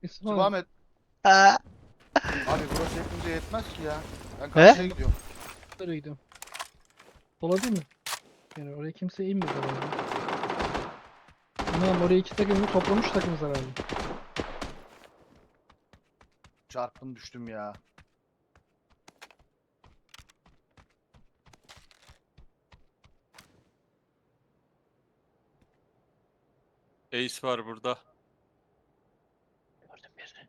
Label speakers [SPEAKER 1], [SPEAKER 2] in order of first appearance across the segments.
[SPEAKER 1] İsmail.
[SPEAKER 2] Devam et.
[SPEAKER 3] Ha.
[SPEAKER 2] Abi burası hepimize yetmez ki ya. Ben
[SPEAKER 3] He?
[SPEAKER 2] karşıya gidiyorum.
[SPEAKER 1] Nereye gidiyorum? Sola değil mi? Yani oraya kimse inmedi herhalde. Anam oraya iki takımı toplamış takımız herhalde.
[SPEAKER 2] Çarptım düştüm ya.
[SPEAKER 4] Ace var burada.
[SPEAKER 3] Gördüm birini.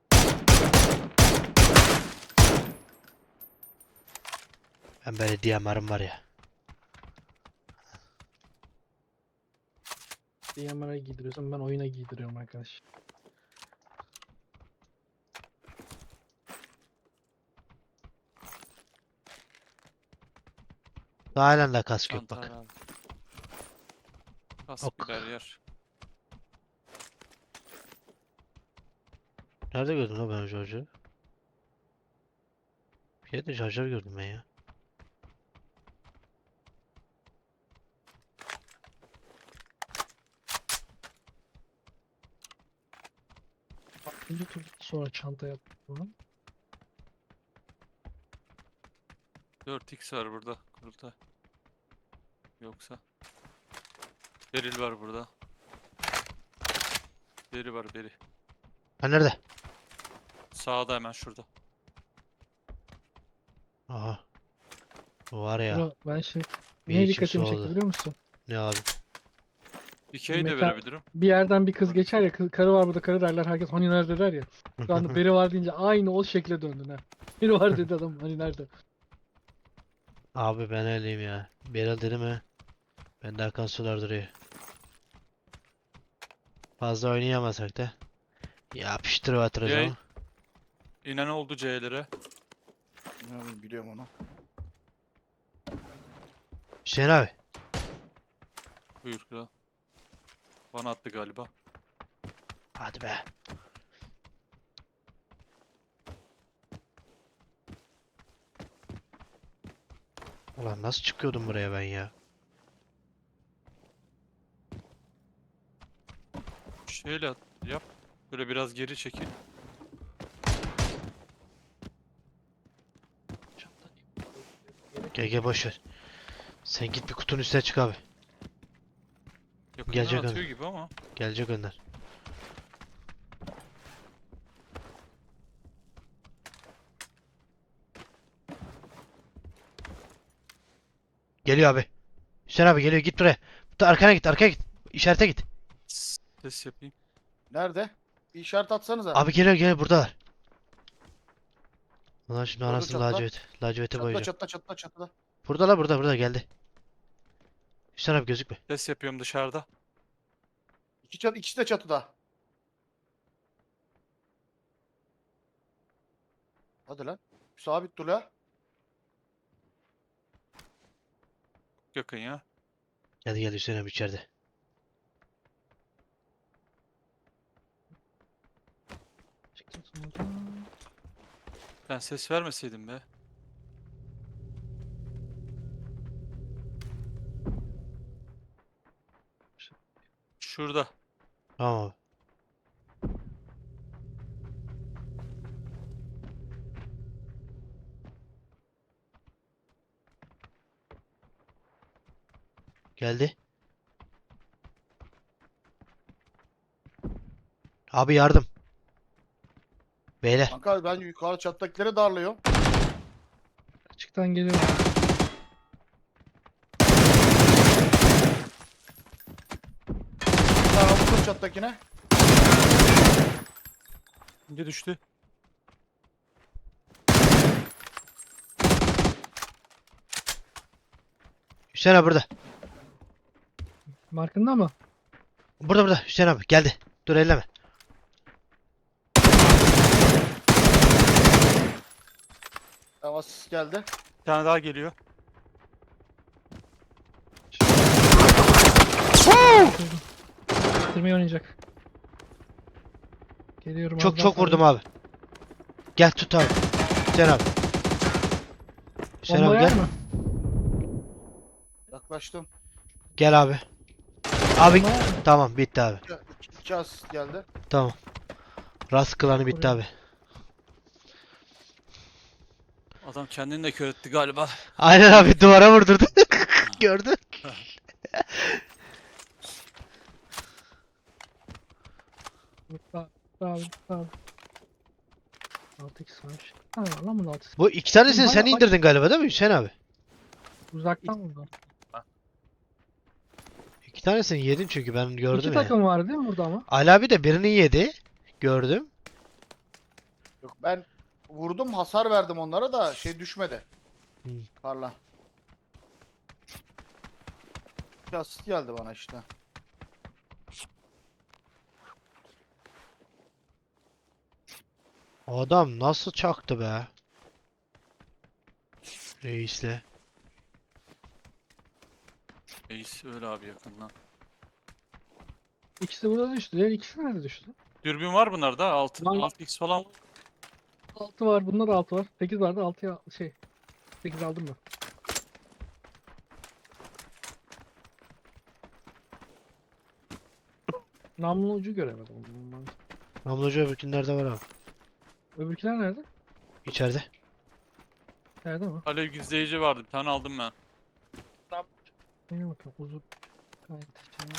[SPEAKER 3] Ben böyle DMR'ım var ya.
[SPEAKER 1] DMR'a giydiriyorsam ben oyuna giydiriyorum arkadaş.
[SPEAKER 3] Halen de kask yok
[SPEAKER 4] Çanta
[SPEAKER 3] bak.
[SPEAKER 4] herhalde. Kask
[SPEAKER 3] Ok.
[SPEAKER 4] birer yer.
[SPEAKER 3] Nerede gördün lan ben o şarjörü? Bir yerde şarjör gördüm ben ya.
[SPEAKER 1] İkinci tur sonra çanta yaptım falan.
[SPEAKER 4] 4x var burada. Kurultay. Yoksa. Beril var burada. Beri var beri.
[SPEAKER 3] Ha nerede?
[SPEAKER 4] Sağda hemen şurada.
[SPEAKER 3] Aha. Bu var ya.
[SPEAKER 1] Bro, ben şimdi
[SPEAKER 3] Bir
[SPEAKER 1] neye
[SPEAKER 3] içim
[SPEAKER 1] dikkatimi çekti
[SPEAKER 3] soğudu.
[SPEAKER 1] biliyor musun?
[SPEAKER 3] Ne abi?
[SPEAKER 4] Dikey de
[SPEAKER 1] Mekan-
[SPEAKER 4] verebilirim.
[SPEAKER 1] Bir yerden bir kız geçer ya, karı var burada, karı derler, herkes hani nerede der ya. Şu anda biri var deyince aynı o şekle döndün ha. Biri var dedi adam, hani nerede?
[SPEAKER 3] Abi ben öyleyim ya. Beral dedi mi? Bende akan sular duruyor. Fazla oynayamasak da. Yapıştır batırız
[SPEAKER 4] Yay.
[SPEAKER 3] ama.
[SPEAKER 4] İnen oldu C'lere.
[SPEAKER 2] Ne biliyorum onu.
[SPEAKER 3] Hüseyin abi.
[SPEAKER 4] Buyur kral. Bana attı galiba.
[SPEAKER 3] Hadi be. Ulan nasıl çıkıyordum buraya ben ya?
[SPEAKER 4] Şöyle yap. Böyle biraz geri çekil.
[SPEAKER 3] Gel boş ver. Sen git bir kutunun üstüne çık abi.
[SPEAKER 4] Yakından
[SPEAKER 3] Gelecek
[SPEAKER 4] atıyor
[SPEAKER 3] adam.
[SPEAKER 4] gibi ama.
[SPEAKER 3] Gelecek önden. Geliyor abi. Hüseyin abi geliyor, git buraya. Arkana git, arkaya git. İşarete git.
[SPEAKER 4] Ses yapayım.
[SPEAKER 2] Nerede? Bir işaret atsanıza.
[SPEAKER 3] Abi geliyor buradalar. Ulan şimdi
[SPEAKER 2] Gördüm
[SPEAKER 3] anasını
[SPEAKER 2] çatıda.
[SPEAKER 3] lacivete
[SPEAKER 2] Çatıda
[SPEAKER 3] boyayacağım.
[SPEAKER 2] çatıda çatıda çatıda.
[SPEAKER 3] Burada geldi. Hüseyin abi gözükme.
[SPEAKER 4] Ses yapıyorum dışarıda.
[SPEAKER 2] İkisi de çatıda. Hadi lan. Sabit dur la.
[SPEAKER 4] Yakın ya.
[SPEAKER 3] Gel Hüseyin abi içeride.
[SPEAKER 1] Çıktım sonra.
[SPEAKER 4] Ben ses vermeseydim be. Şurada.
[SPEAKER 3] Tamam abi. Geldi. Abi yardım. Beyler.
[SPEAKER 2] Kanka ben yukarı çattakilere darlıyorum.
[SPEAKER 1] Açıktan geliyorum.
[SPEAKER 2] Bir tane vurdum çattakine.
[SPEAKER 4] İnce düştü.
[SPEAKER 3] Hüseyin abi burada.
[SPEAKER 1] Markında mı?
[SPEAKER 3] Burada Hüseyin abi geldi. Dur elleme.
[SPEAKER 2] Tamam asist geldi.
[SPEAKER 4] Bir tane daha geliyor.
[SPEAKER 1] Bitirmeyi oynayacak. Geliyorum.
[SPEAKER 3] Çok
[SPEAKER 1] az daha
[SPEAKER 3] çok vurdum
[SPEAKER 1] sonra.
[SPEAKER 3] abi. Gel tut abi. Hüseyin abi. Hüseyin
[SPEAKER 1] Bomba
[SPEAKER 3] abi
[SPEAKER 1] yer
[SPEAKER 3] gel.
[SPEAKER 1] mi?
[SPEAKER 2] Yaklaştım.
[SPEAKER 3] Gel abi. Abi
[SPEAKER 1] Bomba yer mi?
[SPEAKER 3] tamam bitti abi.
[SPEAKER 2] İki asist geldi.
[SPEAKER 3] Tamam. Rast klanı bitti
[SPEAKER 1] Oraya.
[SPEAKER 3] abi.
[SPEAKER 4] Adam kendini de kör etti galiba.
[SPEAKER 3] Aynen abi duvara vurdurdu. Gördün.
[SPEAKER 1] Sağ sağ sağ. 6x var. Ha lan bunu 6x.
[SPEAKER 3] Bu iki tanesini
[SPEAKER 1] Oğlum,
[SPEAKER 3] sen
[SPEAKER 1] hala-
[SPEAKER 3] indirdin galiba değil mi Hüseyin abi?
[SPEAKER 1] Uzaktan vurdu.
[SPEAKER 3] İki tanesini yedin çünkü ben gördüm
[SPEAKER 1] İki
[SPEAKER 3] ya.
[SPEAKER 1] takım var değil mi burada ama?
[SPEAKER 3] Ali abi de birini yedi. Gördüm.
[SPEAKER 2] Yok ben vurdum hasar verdim onlara da şey düşmedi.
[SPEAKER 3] Hı.
[SPEAKER 2] Karla. Bir asist geldi bana işte.
[SPEAKER 3] Adam nasıl çaktı be? Reisle.
[SPEAKER 4] Reis öyle abi yakından.
[SPEAKER 1] İkisi burada düştü. Diğer ikisi nerede düştü?
[SPEAKER 4] Dürbün var bunlarda. 6
[SPEAKER 1] Var.
[SPEAKER 4] 6x falan.
[SPEAKER 1] 6 var. Bunda da 6 var. 8 vardı. 6'ya şey. 8 aldım ben. Namlu ucu göremedim.
[SPEAKER 3] Namlucu öbürkünlerde var abi.
[SPEAKER 1] Öbürküler nerede?
[SPEAKER 3] İçeride.
[SPEAKER 1] Nerede mi?
[SPEAKER 4] Alev gizleyici vardı. Bir tane aldım ben.
[SPEAKER 1] Neye bakıyorum? Uzun. Gayet şey.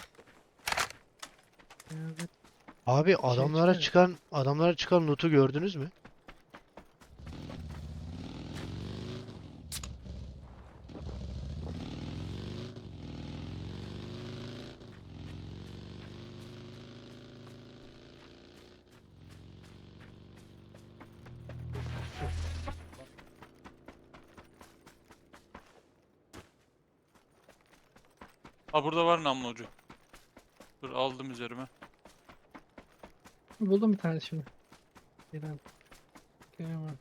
[SPEAKER 1] Evet.
[SPEAKER 3] Abi adamlara
[SPEAKER 1] çıkıyor.
[SPEAKER 3] çıkan loot'u gördünüz mü?
[SPEAKER 4] Ha burada var namlu ucu. Dur aldım üzerime.
[SPEAKER 1] Buldum bir tane şimdi. Gelen. Gelen.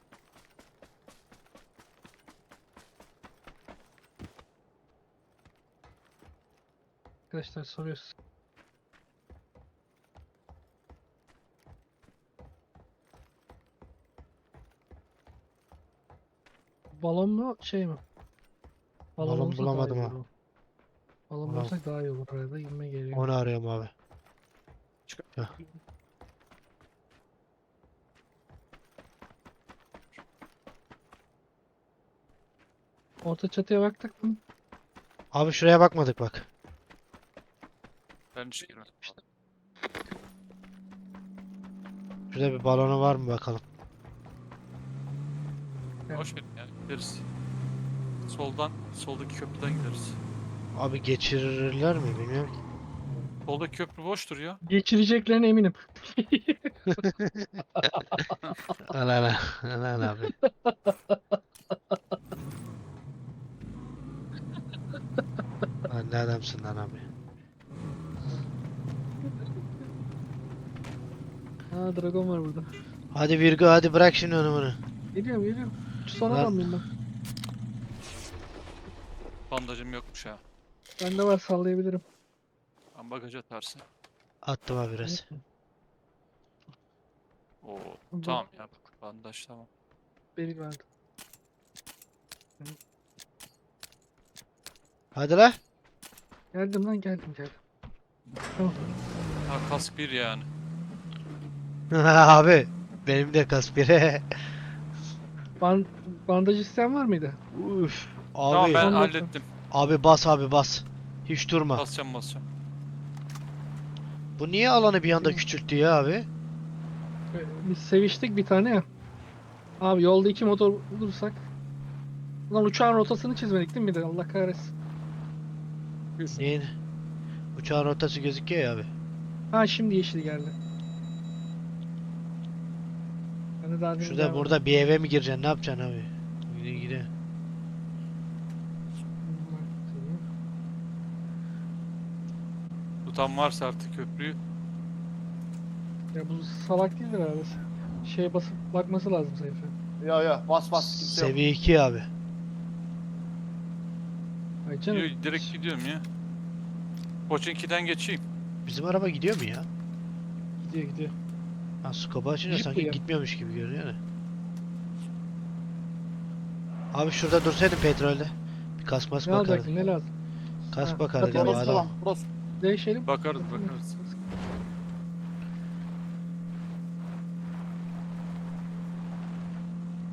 [SPEAKER 1] Arkadaşlar soruyoruz. Balon mu şey mi?
[SPEAKER 3] Balon
[SPEAKER 1] olursa daha
[SPEAKER 3] bulamadım
[SPEAKER 1] iyi
[SPEAKER 3] ha.
[SPEAKER 1] olur. Balon
[SPEAKER 3] Balon.
[SPEAKER 1] bulursak daha iyi olur arada inme geliyor.
[SPEAKER 3] Onu arıyorum abi.
[SPEAKER 1] Orta çatıya baktık mı?
[SPEAKER 3] Abi şuraya bakmadık bak.
[SPEAKER 4] Ben hiç girmedim.
[SPEAKER 3] Şurada bir balonu var mı bakalım.
[SPEAKER 4] Boş verin yani. Gideriz. Soldaki köprüden gideriz.
[SPEAKER 3] Abi geçirirler mi bilmiyorum ki.
[SPEAKER 4] Soldaki köprü boştur ya.
[SPEAKER 1] Geçireceklerine eminim.
[SPEAKER 3] Lan lan abi. Lan ne adamsın lan abi.
[SPEAKER 1] Ha dragon var burada.
[SPEAKER 3] Hadi Virgo hadi bırak şimdi onu bunu.
[SPEAKER 1] Geliyorum geliyorum. Şu son
[SPEAKER 3] Lan.
[SPEAKER 1] adam mıyım ben?
[SPEAKER 4] Bandajım yokmuş ha.
[SPEAKER 1] Bende var sallayabilirim.
[SPEAKER 4] Ben bagaj atarsın.
[SPEAKER 3] Attım abi biraz.
[SPEAKER 4] Oo
[SPEAKER 1] Bu-
[SPEAKER 4] tamam ya. Bandaj tamam.
[SPEAKER 1] Beni verdi.
[SPEAKER 3] Hadi la.
[SPEAKER 1] Geldim lan geldim. Tamam.
[SPEAKER 4] Ha kask bir yani.
[SPEAKER 3] Abi benim de kaspire.
[SPEAKER 1] Bandaj isteyen var mıydı?
[SPEAKER 3] Uf.
[SPEAKER 4] Tamam
[SPEAKER 3] Abi
[SPEAKER 4] ben
[SPEAKER 1] Ondan
[SPEAKER 4] hallettim.
[SPEAKER 3] abi bas abi bas. Hiç durma.
[SPEAKER 4] Basacağım.
[SPEAKER 3] Bu niye alanı bir anda küçülttü ya abi?
[SPEAKER 1] Biz seviştik bir tane ya. Abi yolda 2 motor bulursak. Ulan uçağın rotasını çizmedik değil mi bir de? Allah kahretsin.
[SPEAKER 3] Neyin? Uçağın rotası gözüküyor ya abi.
[SPEAKER 1] Ha şimdi yeşil geldi. Ben de daha demin
[SPEAKER 3] Şurada
[SPEAKER 1] gelmedim.
[SPEAKER 3] burada bir eve mi gireceksin? Ne yapacaksın abi? Gide.
[SPEAKER 4] Tutan varsa artık köprüyü.
[SPEAKER 1] Ya bu salak değildir herhalde. Şeye basıp bakması lazım sayfa.
[SPEAKER 2] Ya bas kimse yok.
[SPEAKER 3] Seviye 2 abi.
[SPEAKER 1] Ay canım.
[SPEAKER 4] Direkt gidiyorum ya. Koçinki'den geçeyim.
[SPEAKER 3] Bizim araba gidiyor mu ya?
[SPEAKER 1] Gidiyor.
[SPEAKER 3] Ha scope'u açınca
[SPEAKER 1] Jeep bu
[SPEAKER 3] sanki
[SPEAKER 1] ya.
[SPEAKER 3] gitmiyormuş gibi görünüyor da. Abi şurada dursaydın petrolde. Bir kasmas
[SPEAKER 1] Ne
[SPEAKER 3] bakardık.
[SPEAKER 1] alacaksın ne lazım?
[SPEAKER 3] Kas
[SPEAKER 1] Ha,
[SPEAKER 3] bakardık
[SPEAKER 1] hadi
[SPEAKER 3] abi
[SPEAKER 2] Burası
[SPEAKER 3] adam.
[SPEAKER 2] tamam. Burası.
[SPEAKER 1] Değişelim.
[SPEAKER 4] Bakarız.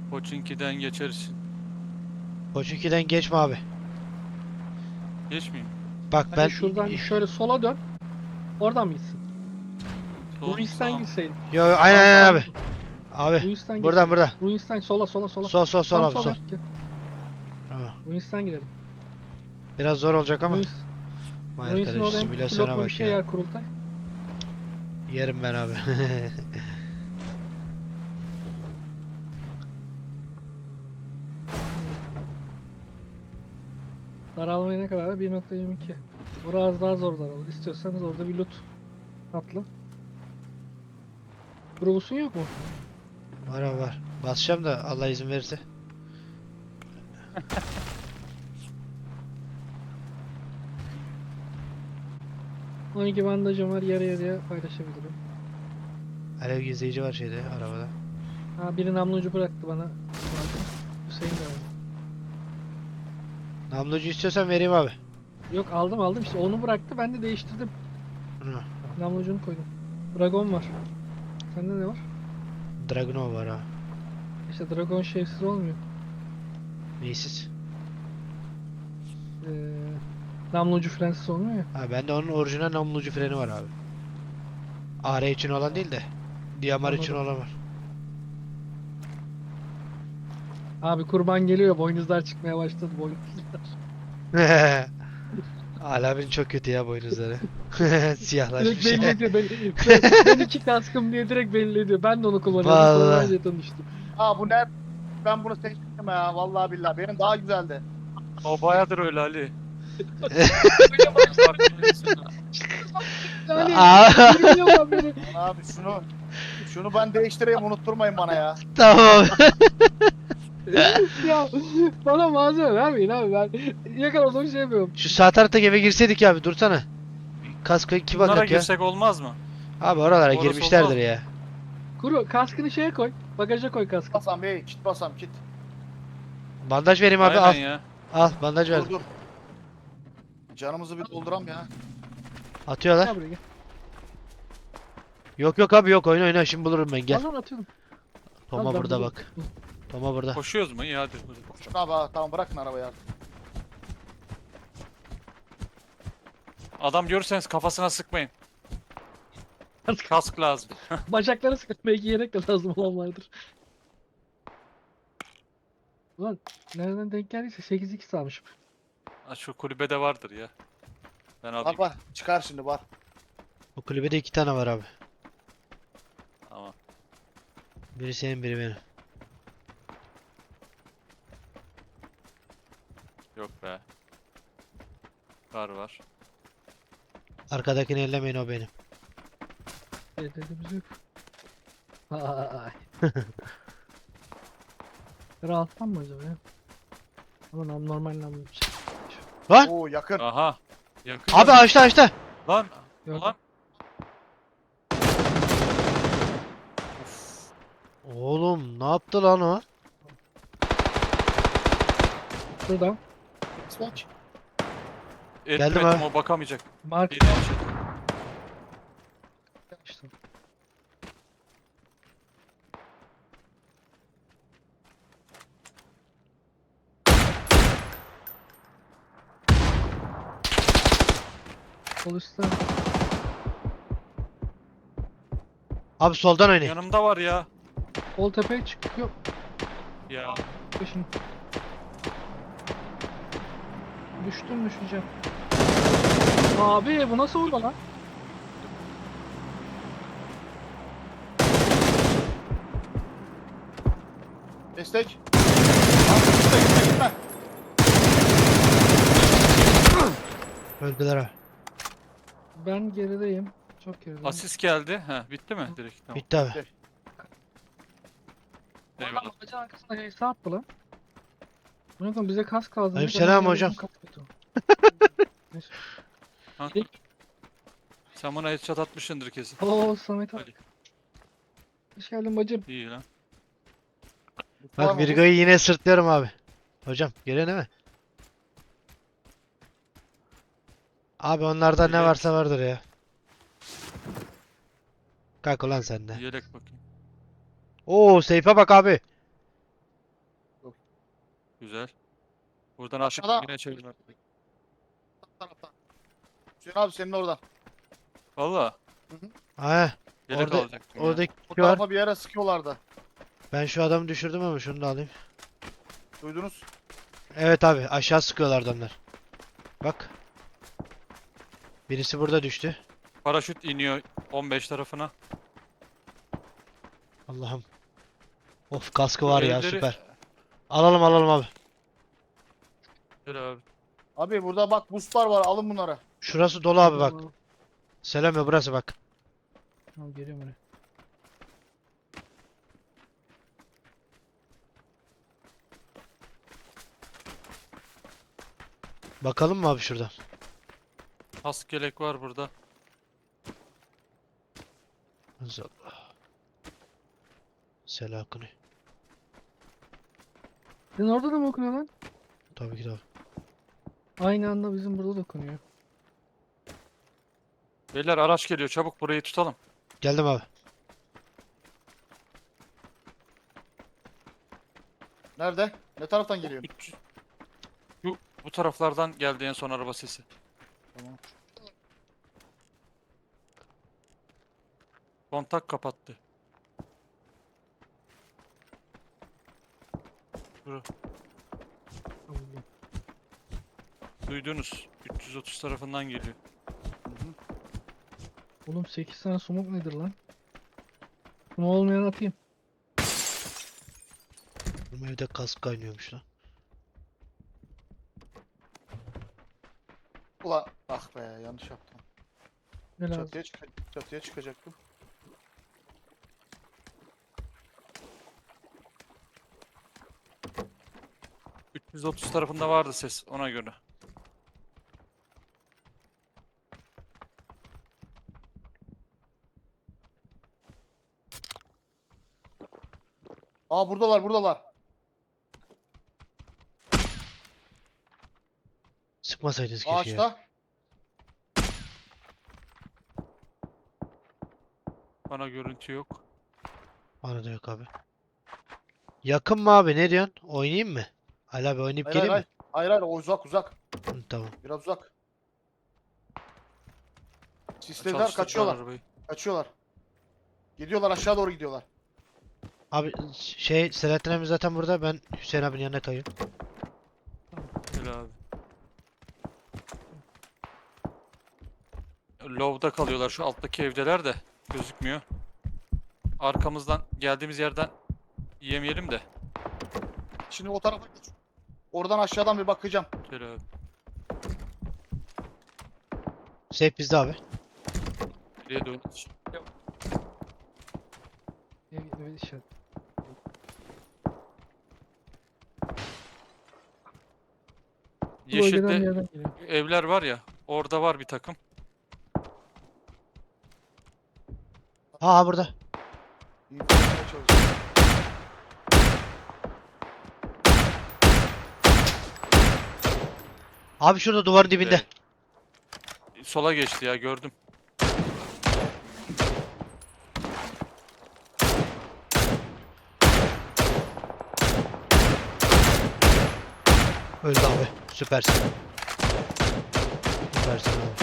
[SPEAKER 4] Pochinki'den geçersin.
[SPEAKER 3] Koçinki'den geçme abi.
[SPEAKER 4] Geçmeyeyim.
[SPEAKER 3] Bak
[SPEAKER 1] Hadi
[SPEAKER 3] ben
[SPEAKER 1] şuradan şöyle sola dön. Oradan mı gitsin?
[SPEAKER 4] Sol,
[SPEAKER 1] Ruins'ten
[SPEAKER 4] sağ.
[SPEAKER 1] gitseydin.
[SPEAKER 3] Yo aynen aynen abi. Abi
[SPEAKER 1] Ruins'ten
[SPEAKER 3] buradan
[SPEAKER 1] gitseydin.
[SPEAKER 3] buradan.
[SPEAKER 1] Ruins'ten sola sola sola.
[SPEAKER 3] Sol sol sol
[SPEAKER 1] Tam
[SPEAKER 3] abi
[SPEAKER 1] sol
[SPEAKER 3] sol.
[SPEAKER 1] yap, gel.
[SPEAKER 3] Tamam.
[SPEAKER 1] Ruins'ten girelim.
[SPEAKER 3] Biraz zor olacak ama.
[SPEAKER 1] Ruins,
[SPEAKER 3] Vay
[SPEAKER 1] Ruins'in
[SPEAKER 3] arkadaş
[SPEAKER 1] orada hem
[SPEAKER 3] simülasyona
[SPEAKER 1] pilotlu bir
[SPEAKER 3] bak
[SPEAKER 1] şey
[SPEAKER 3] ya.
[SPEAKER 1] yer kurultay.
[SPEAKER 3] Yerim ben abi.
[SPEAKER 1] Daralmaya ne kadar? 1.22. Biraz daha zor daralır. İstiyorsanız orada bir loot atla. Grubus'un yok mu?
[SPEAKER 3] Var abi var. Basacağım da Allah izin verirse.
[SPEAKER 1] 12 bandajım var, yarı yarıya paylaşabilirim.
[SPEAKER 3] Alev gizleyici var şeyde arabada.
[SPEAKER 1] Ha, biri namlucu bıraktı bana. Hüseyin de aldı.
[SPEAKER 3] Namlucu istiyorsan vereyim abi.
[SPEAKER 1] Yok, aldım işte, onu bıraktı, ben de değiştirdim.
[SPEAKER 3] Hı.
[SPEAKER 1] Namlucunu koydum. Dragon var. Sende ne var?
[SPEAKER 3] Dragunov var ha.
[SPEAKER 1] İşte Dragon şeysiz olmuyor.
[SPEAKER 3] Neysiz?
[SPEAKER 1] Namlucu frensiz olmuyor ya.
[SPEAKER 3] Ha bende onun orijinal namlucu freni var abi. AR için olan değil de DMR için
[SPEAKER 1] Anladım.
[SPEAKER 3] olan var.
[SPEAKER 1] Abi kurban geliyor, boynuzlar çıkmaya başladı, boynuzlar.
[SPEAKER 3] Alamin çok kötü ya boynuzları.
[SPEAKER 1] Direkt
[SPEAKER 3] Siyahlaşmış.
[SPEAKER 1] belli ediyor. Ben iki kaskım diye direkt belli ediyor. Ben de onu kullanıyorum.
[SPEAKER 3] Vallahi.
[SPEAKER 1] Kolayca tanıştım.
[SPEAKER 2] Aa bu ne? Ben bunu seçtim ya. Vallahi billahi. Benim daha güzeldi.
[SPEAKER 4] O bayağıdır öyle Ali.
[SPEAKER 1] Yani
[SPEAKER 3] Aa.
[SPEAKER 1] bilmiyorum beni.
[SPEAKER 2] Abi şunu ben değiştireyim, unutturmayın bana ya.
[SPEAKER 3] Tamam.
[SPEAKER 1] Ya bana malzeme vermeyin abi, ben yakaladığım şey yapıyorum.
[SPEAKER 3] Şu sağ taraftaki eve girseydik ya abi dursana. Kaskı iki
[SPEAKER 4] Bunlara
[SPEAKER 3] bakak ya.
[SPEAKER 4] girsek olmaz mı?
[SPEAKER 3] Abi oralara
[SPEAKER 4] Orası
[SPEAKER 3] girmişlerdir
[SPEAKER 4] olmaz.
[SPEAKER 3] ya.
[SPEAKER 1] Kuru kaskını şeye koy. Bagaja koy kaskı.
[SPEAKER 2] Basam bey, kit basam kit.
[SPEAKER 3] Bandaj vereyim abi
[SPEAKER 4] Aynen
[SPEAKER 3] al.
[SPEAKER 4] ya.
[SPEAKER 3] Al bandaj
[SPEAKER 2] Dur
[SPEAKER 3] verdim.
[SPEAKER 2] dur. Canımızı bir dolduram ya.
[SPEAKER 3] Atıyorlar.
[SPEAKER 1] Gel buraya gel.
[SPEAKER 3] Yok yok abi yok oyna şimdi bulurum ben gel.
[SPEAKER 1] Al lan, atıyorum.
[SPEAKER 3] Toma
[SPEAKER 1] Al, ben
[SPEAKER 3] burada
[SPEAKER 1] bulurum.
[SPEAKER 3] bak. Toma burada.
[SPEAKER 4] Koşuyoruz mu? İyi hadi.
[SPEAKER 2] Şunu abi tamam, bırakın arabayı abi.
[SPEAKER 4] Adam görürseniz kafasına sıkmayın. Kask lazım.
[SPEAKER 1] Bacakları sıkıp belki yelek de lazım olan vardır. Ulan nereden denk geldiyse 8x almışım.
[SPEAKER 4] Ha, şu kulübede vardır ya. Ben alayım.
[SPEAKER 2] Bak çıkar şimdi bak.
[SPEAKER 3] O kulübede iki tane var abi.
[SPEAKER 4] Tamam.
[SPEAKER 3] Biri senin biri benim.
[SPEAKER 4] Yok be. Var.
[SPEAKER 3] Arkadakini ellemeyin o benim.
[SPEAKER 1] Dediğimiz yok. Ay. Kara alttan mı acaba ya? Ama normal namlu bir şey.
[SPEAKER 3] Lan!
[SPEAKER 2] Oo yakın.
[SPEAKER 4] Aha. Yakın.
[SPEAKER 3] Abi açtı.
[SPEAKER 4] Lan.
[SPEAKER 1] Gördüm.
[SPEAKER 4] Lan.
[SPEAKER 3] Oğlum ne yaptı lan o?
[SPEAKER 1] Şuradan.
[SPEAKER 2] Geç.
[SPEAKER 3] Geldim
[SPEAKER 4] Etmedim,
[SPEAKER 3] abi.
[SPEAKER 4] o bakamayacak.
[SPEAKER 1] Mark
[SPEAKER 4] Yedi şey.
[SPEAKER 1] işte. Sol üstten.
[SPEAKER 3] Abi soldan oynayın.
[SPEAKER 4] Yanımda var ya.
[SPEAKER 1] Sol tepeye çıkıyor.
[SPEAKER 4] Ya.
[SPEAKER 1] Peşin. Düşeceğim. Abi bu nasıl oldu lan?
[SPEAKER 2] Destek. Abi, gitme.
[SPEAKER 3] Öldüler abi.
[SPEAKER 1] Ben gerideyim. Çok gerideyim.
[SPEAKER 4] Asist geldi. Ha, bitti mi? Direkt tamam.
[SPEAKER 3] Bitti abi.
[SPEAKER 4] Eyvallah.
[SPEAKER 1] Adam ağacın arkasında şey attı lan. Bunu koyun, bize kask lazım.
[SPEAKER 3] Aleykümselam
[SPEAKER 1] Adam
[SPEAKER 3] hocam.
[SPEAKER 1] bizim kask getirdi. Neyse.
[SPEAKER 4] Kanka. Sen bana headshot atmışsındır kesin.
[SPEAKER 1] Oo Samet abi.
[SPEAKER 4] Ali.
[SPEAKER 1] Hoş geldin bacım.
[SPEAKER 4] İyi lan.
[SPEAKER 2] Var
[SPEAKER 3] Bak
[SPEAKER 2] mı?
[SPEAKER 3] Virgo'yu yine sırtlıyorum abi. Hocam görüyor değil mi? Abi onlarda ne
[SPEAKER 4] Evet.
[SPEAKER 3] varsa vardır ya. Kalk ulan sen de.
[SPEAKER 4] Yelek bakayım.
[SPEAKER 3] Oo seyfe bak abi.
[SPEAKER 4] Güzel. Buradan
[SPEAKER 2] Aşağıda-
[SPEAKER 4] aşağı yine çevirme.
[SPEAKER 2] Taraftan. Hüseyin abi senin oradan.
[SPEAKER 4] Valla.
[SPEAKER 3] Ha,
[SPEAKER 4] Yelek
[SPEAKER 3] orada
[SPEAKER 4] alacaktım ya.
[SPEAKER 3] oradaki
[SPEAKER 2] O
[SPEAKER 3] var.
[SPEAKER 2] tarafa bir yere sıkıyorlardı.
[SPEAKER 3] Ben şu adamı düşürdüm ama şunu da alayım.
[SPEAKER 2] Duydunuz?
[SPEAKER 3] Evet abi, aşağı sıkıyorlar adamlar. Bak. Birisi burada düştü.
[SPEAKER 4] Paraşüt iniyor 15 tarafına.
[SPEAKER 3] Allah'ım. Of, kaskı
[SPEAKER 4] Şu
[SPEAKER 3] var ya,
[SPEAKER 4] evleri-
[SPEAKER 3] süper. Alalım alalım abi.
[SPEAKER 4] Gel abi.
[SPEAKER 2] Abi burada bak boostlar var alın bunları.
[SPEAKER 3] Şurası dolu abi bak. Selam ya, burası bak.
[SPEAKER 1] Tamam, geliyorum oraya.
[SPEAKER 3] Bakalım mı abi şurada?
[SPEAKER 4] Kask yelek var burada.
[SPEAKER 3] Allah. Selakını.
[SPEAKER 1] Senin orada da mı okunuyor lan?
[SPEAKER 3] Tabii ki de abi.
[SPEAKER 1] Aynı anda bizim burada da okunuyor.
[SPEAKER 4] Beyler araç geliyor, çabuk burayı tutalım.
[SPEAKER 3] Geldim abi.
[SPEAKER 2] Nerede? Ne taraftan geliyor?
[SPEAKER 4] Bu taraflardan geldi en son araba sesi.
[SPEAKER 2] Tamam.
[SPEAKER 4] Kontak kapattı. Duydunuz. 330 tarafından geliyor.
[SPEAKER 1] Oğlum 8 tane smoke nedir lan? Bunu olmayan atayım.
[SPEAKER 3] Bu evde kask kaynıyormuş lan.
[SPEAKER 2] Ulan ah be yanlış yaptım.
[SPEAKER 1] Ne lazım?
[SPEAKER 2] Çatıya çıkacaktım.
[SPEAKER 4] ...330 tarafında vardı ses ona göre.
[SPEAKER 2] Aa buradalar.
[SPEAKER 3] Sıkmasaydınız keşke ya.
[SPEAKER 2] Ağaçta.
[SPEAKER 4] Bana görüntü yok.
[SPEAKER 3] Bana da yok abi. Yakın mı abi, ne diyorsun? Oynayayım mı? Ali abi oynayıp
[SPEAKER 2] Hayır
[SPEAKER 3] geleyim
[SPEAKER 2] hayır,
[SPEAKER 3] mi?
[SPEAKER 2] hayır o uzak.
[SPEAKER 3] Hı, tamam.
[SPEAKER 2] Biraz uzak. Sislediler
[SPEAKER 4] Çalıştırdılar arabayı.
[SPEAKER 2] kaçıyorlar. Gidiyorlar aşağı doğru gidiyorlar.
[SPEAKER 3] Abi şey, Selahattin abi zaten burada, ben Hüseyin abinin yanına kayıyorum.
[SPEAKER 4] Gel abi. Low'da kalıyorlar, şu alttaki evdeler de gözükmüyor. Arkamızdan geldiğimiz yerden yemeyelim de.
[SPEAKER 2] Şimdi o tarafa geç. Oradan aşağıdan bir bakacağım.
[SPEAKER 4] Gel abi.
[SPEAKER 3] Safe bizde abi.
[SPEAKER 4] Geriye dön.
[SPEAKER 1] Evet işaret. Bu bölgeden bir
[SPEAKER 4] Yeşilde
[SPEAKER 1] yerden geliyor.
[SPEAKER 4] evler var ya, orada var bir takım.
[SPEAKER 3] Ha burada.
[SPEAKER 2] İnfolamaya çalışıyorum.
[SPEAKER 3] Abi şurada duvarın dibinde.
[SPEAKER 4] Sola geçti ya, gördüm.
[SPEAKER 3] Öldü abi. Süpersin. Süpersin abi.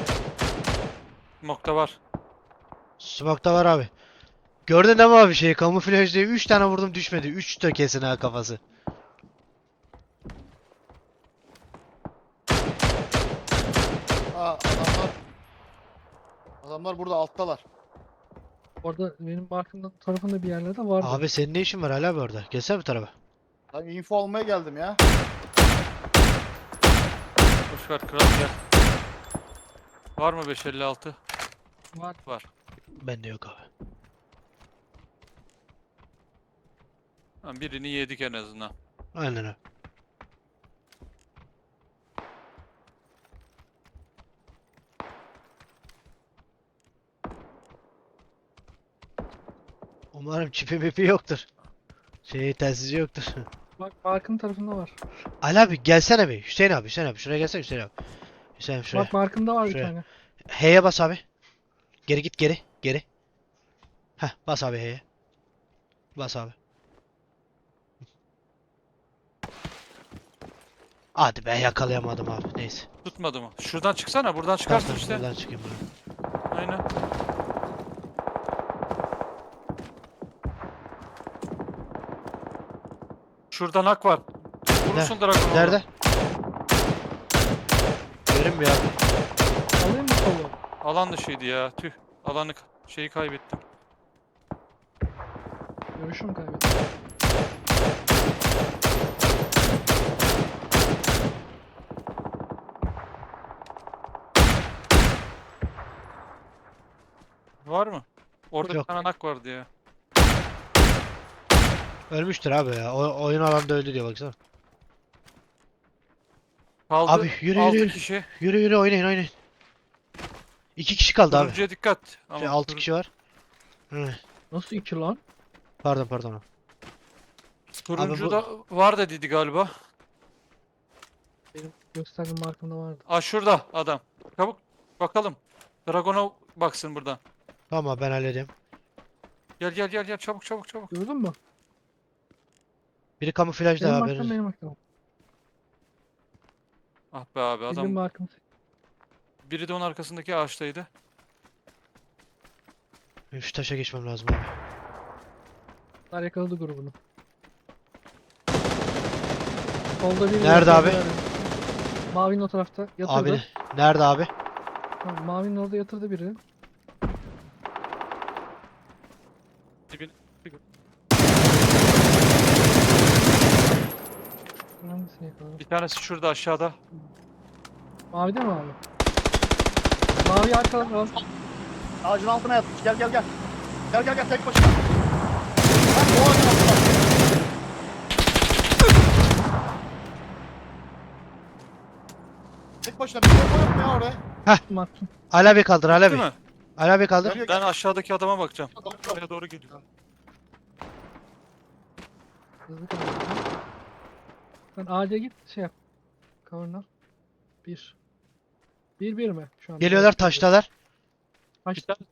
[SPEAKER 4] Nokta var.
[SPEAKER 3] Smoke'ta var abi. Gördün değil mi abi şeyi? Kamuflaj diye 3 tane vurdum, düşmedi. 3 de kesin ha kafası.
[SPEAKER 2] Aa adamlar burada alttalar.
[SPEAKER 1] Orada benim markımın tarafında bir yerlerde vardı.
[SPEAKER 3] Abi senin ne işin var hala abi orada? Gelsene bu tarafa.
[SPEAKER 2] Ben info almaya geldim ya.
[SPEAKER 4] Boş ver kral, gel. Var mı 556?
[SPEAKER 1] Var.
[SPEAKER 4] Var.
[SPEAKER 3] Bende yok abi.
[SPEAKER 4] Ha, birini yedik en azından.
[SPEAKER 3] Aynen abi. Umarım çipi mipi yoktur. Şey, telsizi yoktur.
[SPEAKER 1] Bak markın tarafında var.
[SPEAKER 3] Ali abi gelsene bir. Hüseyin abi, Hüseyin abi. Şuraya gelsene Hüseyin abi. Hüseyin abi şuraya.
[SPEAKER 1] Bak markında var bir
[SPEAKER 3] Şuraya.
[SPEAKER 1] tane.
[SPEAKER 3] H'ye bas abi. Geri git, geri. Geri. Heh, bas abi H'ye. Bas abi. Hadi be yakalayamadım abi. Neyse.
[SPEAKER 4] Tutmadı mı? Şuradan çıksana. Buradan çıkarsın
[SPEAKER 3] Tamam,
[SPEAKER 4] işte.
[SPEAKER 3] buradan çıkayım ben.
[SPEAKER 4] Aynen. Şuradan hak var. Vurursun Dragon'u.
[SPEAKER 3] Nerede? Görünmüyor abi.
[SPEAKER 1] Alayım mı solu?
[SPEAKER 4] Alan dışıydı ya. Tüh. Şeyi kaybettim.
[SPEAKER 1] Görüşüm kaybettim.
[SPEAKER 4] Var mı? Orada
[SPEAKER 3] Yok.
[SPEAKER 4] bir tane hak vardı ya.
[SPEAKER 3] Ölmüştür abi ya. Oyun alanda öldü diyor baksana.
[SPEAKER 4] Kaldı
[SPEAKER 3] Abi, yürü,
[SPEAKER 4] 6
[SPEAKER 3] yürü.
[SPEAKER 4] kişi.
[SPEAKER 3] Yürü yürü oynayın. 2 kişi kaldı abi.
[SPEAKER 4] Turuncuya dikkat. Ama
[SPEAKER 3] 6 kişi var. Hı.
[SPEAKER 1] Nasıl 2 lan?
[SPEAKER 3] Pardon.
[SPEAKER 4] Turuncu
[SPEAKER 3] Abi bu-
[SPEAKER 4] da var dediydi galiba.
[SPEAKER 1] Benim gösterdiğim markamda vardı.
[SPEAKER 4] Aa şurada adam. Çabuk bakalım. Dragon'a baksın buradan.
[SPEAKER 3] Tamam ben halledeyim.
[SPEAKER 4] Gel çabuk.
[SPEAKER 1] Gördün mü?
[SPEAKER 3] Biri kamuflajda
[SPEAKER 1] Benim
[SPEAKER 3] abi.
[SPEAKER 1] markam benim markam.
[SPEAKER 4] Ah be abi
[SPEAKER 1] Benim
[SPEAKER 4] adam.
[SPEAKER 1] markam.
[SPEAKER 4] Biri de onun arkasındaki ağaçtaydı.
[SPEAKER 3] Şu taşa geçmem lazım abi.
[SPEAKER 1] Bunlar yakaladı grubunu. Solda biri
[SPEAKER 3] Nerede
[SPEAKER 1] var,
[SPEAKER 3] abi?
[SPEAKER 1] solda. Mavinin o tarafta yatırdı.
[SPEAKER 3] Abi nerede abi?
[SPEAKER 1] Tamam, mavinin orada yatırdı biri.
[SPEAKER 4] Dibin-
[SPEAKER 1] Hangisini yakaladı?
[SPEAKER 4] Bir tanesi şurada aşağıda.
[SPEAKER 1] Mavide mi abi? Mavi arkadan al.
[SPEAKER 2] Ağacın altına yatmış. Gel. Gel tek başına. Bak o ağacın altına. Tek başına bir şey yok mu ya oraya?
[SPEAKER 1] Markam.
[SPEAKER 3] Ali abi kaldır Ali
[SPEAKER 4] Değil
[SPEAKER 3] abi.
[SPEAKER 4] mi?
[SPEAKER 3] Ali abi kaldır.
[SPEAKER 2] Gel.
[SPEAKER 4] Ben aşağıdaki adama bakacağım. Oraya doğru geliyor.
[SPEAKER 1] Hızlı kaldı. Sen ağaca git şey yap. Cover'ına. 1. 1 mi şu an?
[SPEAKER 3] Geliyorlar taştalar.
[SPEAKER 4] Bir tanesi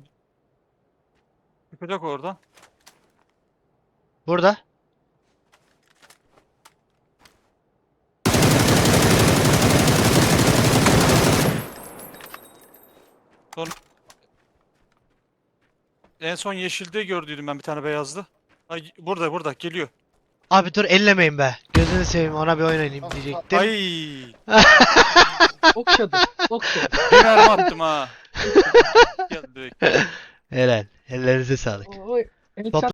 [SPEAKER 4] çıkacak oradan.
[SPEAKER 3] Burada.
[SPEAKER 4] En son yeşilde gördüydüm ben bir tane beyazlı. Ay, burada geliyor.
[SPEAKER 3] Abi dur ellemeyin be. Gözünü seveyim ona bir oynayayım diyecektim.
[SPEAKER 4] Ay,
[SPEAKER 1] Okşadı. Okşadı.
[SPEAKER 4] bir mermi attım ha. Gel direkt.
[SPEAKER 3] Helal. Ellerinize sağlık.
[SPEAKER 1] Oy.
[SPEAKER 3] Topla-